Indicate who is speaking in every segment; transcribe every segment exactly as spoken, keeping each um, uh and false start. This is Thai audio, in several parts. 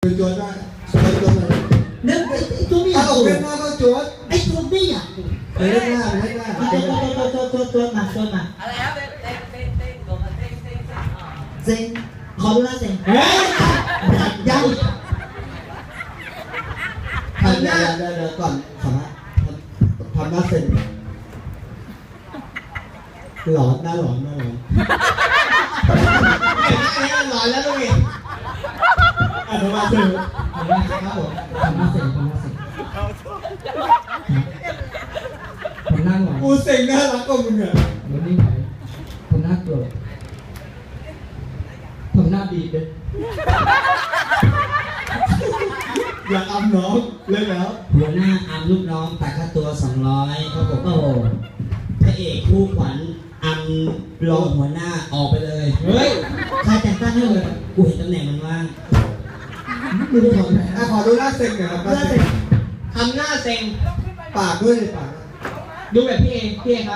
Speaker 1: คือโจทย์ได้โจทย์โจทย์อะไร
Speaker 2: นึกไอ้ตัวไม่อยาก
Speaker 1: เอา
Speaker 2: ตัว
Speaker 1: เล่นหน้าก็โจทย์
Speaker 2: ไอ้ตัวไม่อยากตัว
Speaker 1: เล่นหน้าเล่นหน้า
Speaker 2: ตัวตัวตัวตัวตัวมาตัวมา
Speaker 3: อะไรครับเต้นเต้นเต้นเต้นตัวมาเต้นเต้นเต้นอ๋อ
Speaker 2: เซ็งขอดูหน้าเซ็งเฮ้ยยัง
Speaker 1: ทำหน้าเดี๋ยวเดี๋ยวก่อนขอนะทำหน้าเซ็นหลอนหน้าหลอนหน้าหลอนหน้าหลอนแล้วลูกเองอ่ะทำมาเซ็นครับผม
Speaker 2: ทำหน้าเซ็งทำหน้าเซ็งผมนั่งหน่อย
Speaker 1: กูเซ็งน่ารักกว่ามึงอ่ะ
Speaker 2: วันนี้ไหนผมหน้าโกรธผมหน้าบีบเลย
Speaker 1: อยากอำน้องเล่นแล้ว
Speaker 4: หัวหน้าอำลูกน้องแต่ค่าตัวสองร้อยครับผมโอ้โหพระเอกคู่ขวัญอำรองหัวหน้าออกไปเลย
Speaker 2: เฮ้ยใครแต่งตั้งให้เลย
Speaker 4: กูเห็นตำแหน่งมันว่าง
Speaker 2: ไม่ได้ถอดไหน
Speaker 1: อ่ะขอดูหน้าเซ็งหน่อยครับหน้าเซ็ง
Speaker 4: ทำหน้าเซ็ง
Speaker 1: ปากด้วยเลยปาก
Speaker 4: ดูแบบพี่เอพี่เอครับ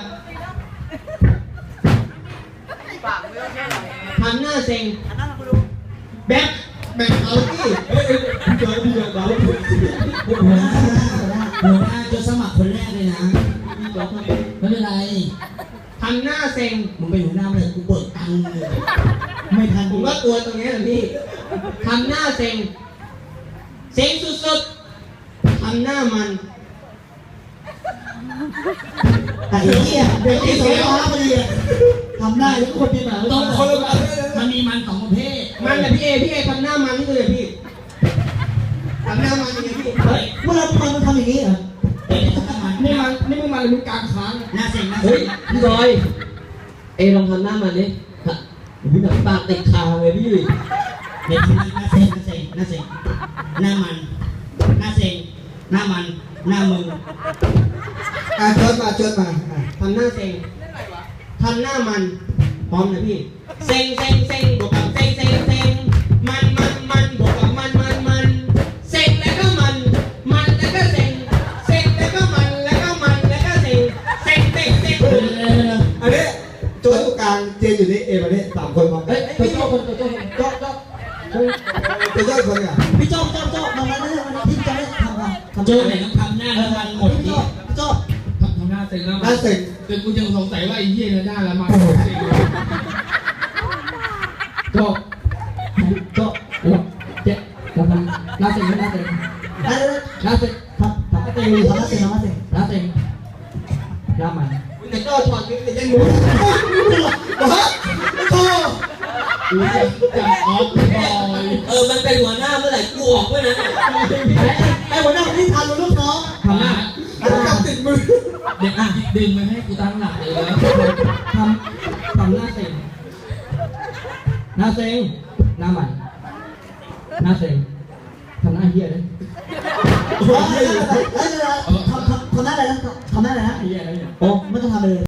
Speaker 3: ปากไม่ต้องแค่ไหน
Speaker 4: ทำหน้าเซ็ง
Speaker 3: อันนั้นคุณดู
Speaker 4: แบ็ค
Speaker 1: แบ่งเอาที่เฮ้ยพี่เจอพี่เจอเรา
Speaker 4: หัวหน้าหัวหน้าจะสมัครคนแรกเลยนะไม่เป็นไรทำหน้าเซ็งมึงเป็นหัวหน้าเลยกูเบิกตังค์เลยไม่ทันผมว่าตัวตรงนี้แหละพี่ทำหน้าเซ็งเซ็งสุดๆทำหน้ามัน
Speaker 2: ไอ้เหี้ยเด็กที่สองฟ้าพอดีทำได้ทุกคนเป็นหมา
Speaker 4: ต้องคนละแบบมันมีมันสองประเภทมันแบบพี่เอพี่เอทำหน้ามันนี่เลยพี่ทำหน้ามันยังไงพี่เฮ้ย
Speaker 2: เมื่อเราทำมันทำอย่างนี้เหรอ
Speaker 4: เอทำหน้ามันนี่มันนี่มึงมาเลยมึงกลางค้างหน้าเซ็งหน้า
Speaker 5: เฮ้
Speaker 4: เซ็
Speaker 5: ย
Speaker 4: ง
Speaker 5: พี่บอยเอลองทำหน้ามันดิฮะพี่หนังตาติดคางเลยพี่
Speaker 4: เด็กคนนี้หน้าเซ็งหน้าเซ็งหน้าเซ็งหน้ามันหน้าเซ็งหน้ามันหน้ามึง
Speaker 1: อ่ะเชิญมาเชิญมาอ่ะ
Speaker 4: ทำหน้าเซ็งทำหน้ามันพร้อมนะพี่เซ็งเซ็งเซ็งบวกกับเซ็งเซ็งเซ็งมันมันมันบวกกับมันมันมันเซ็งแล้วก็มันมันแล้วก็เซ็งเซ็งแล้วก็มันแล้วก็มันแล้วก็เซ็งเซ็งเซ็งเซ็ง
Speaker 1: อันนี้โจทย์ตรงกลางเจนอยู่นี่เอมาเนี่ยสามคนพร้อมกั
Speaker 2: เฮ้
Speaker 1: น
Speaker 2: ยตัวโจ้คนตัวโจ้คนโจ้โจ้
Speaker 1: ตัวโจทย์คนเนี่ย
Speaker 2: พี่โจ้โจ้โจ้มาแล้วนะวันนี้ที่จะได้ทำอะไรทำ
Speaker 4: โจ้ไหนต้องทำหน้าแล้วมันหมด
Speaker 2: พี่
Speaker 4: นี้
Speaker 2: โจ้พี่โจ้
Speaker 6: ทำหน้าเซ็งแล้ว
Speaker 1: หน้าเซ็ง
Speaker 6: แต่กูยังสงสัยว่าไอ้เหี้ยเนี่ยหน้าละมันเซ็ง
Speaker 2: โจ้โจ้โอ้เจ๊ทำหน้าเซ็งหน้าเซ็งหน้าเซ็งทำทำหน้าเซ็งทำหน้าเซ็งทำหน้าเซ็งหน้าเซ็งหน้ามัน
Speaker 4: แต่โจ้ถอดวิกแต่ยังหมู
Speaker 1: ฮะโอ้
Speaker 6: กูจะจับออฟบอย
Speaker 5: เออมันเป็นหัวหน้าเมื่อไหร่กูออกเมื่อนั้น
Speaker 2: ไอ้หัวหน้าคนที่ทำลูกน้อง
Speaker 6: ทำหน้า
Speaker 1: จับติดมือ
Speaker 6: เด็กอ่ะดึงมาให้กูตั้งหลักเลยแล้ว
Speaker 2: ทำทำหน้าเซ็งหน้าเซ็งหน้ามันหน้าเซ็งทำหน้าเหี้ยเลยทำทำทำหน้าอะไรนะทำหน้าอะไรนะ
Speaker 6: เหี้ยอะไรเนี่ย
Speaker 2: โอ้ไม่ต้องทำเลย